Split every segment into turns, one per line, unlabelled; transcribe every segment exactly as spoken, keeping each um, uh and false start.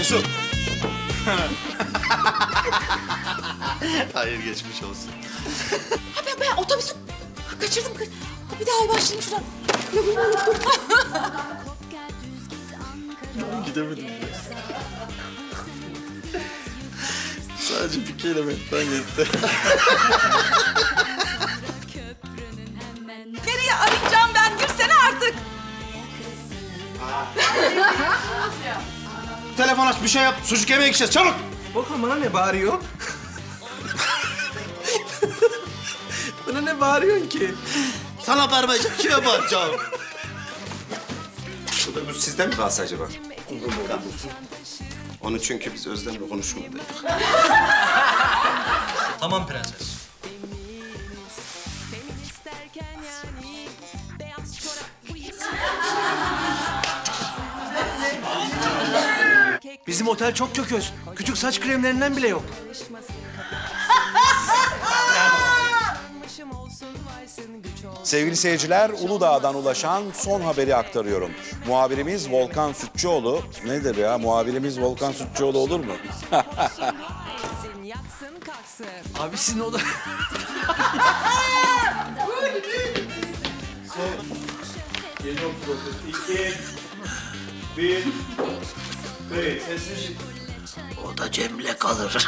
Cesur. Hayır, geçmiş olsun.
Ha ben, ben otobüsü kaçırdım. Bir daha başlayayım şuradan. Lafımı unuttum.
Gidemedim. Sadece bir kelimetten yetti.
Nereye arayacağım ben? Girsene artık.
Telefon aç, bir şey yap. Sucuk yemeğe gideceğiz, çabuk.
Bakın bana ne bağırıyor? Bana ne bağırıyorsun ki?
Sana bağırmayacağım, kime bağıracağım?
Bu sizden mi kalsa acaba? Onu çünkü biz Özlem'le konuşmadık.
Tamam prenses.
Bizim otel çok kököz. Küçük saç kremlerinden bile yok.
Sevgili seyirciler, Uludağ'dan ulaşan son haberi aktarıyorum. Muhabirimiz Volkan Sütçüoğlu, nedir ya? Muhabirimiz Volkan Sütçüoğlu olur mu?
Abi sizin oda...
O da Cem'le kalır.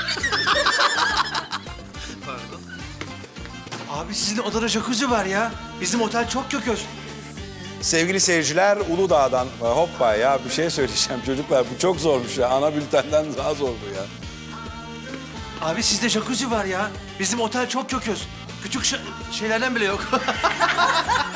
Abi sizin odada jacuzzi var ya. Bizim otel çok kököz.
Sevgili seyirciler, Uludağ'dan... Hoppa ya, bir şey söyleyeceğim çocuklar. Bu çok zormuş ya. Ana bültenden daha zor bu ya.
Abi sizde jacuzzi var ya. Bizim otel çok kököz. Küçük şa- şeylerden bile yok.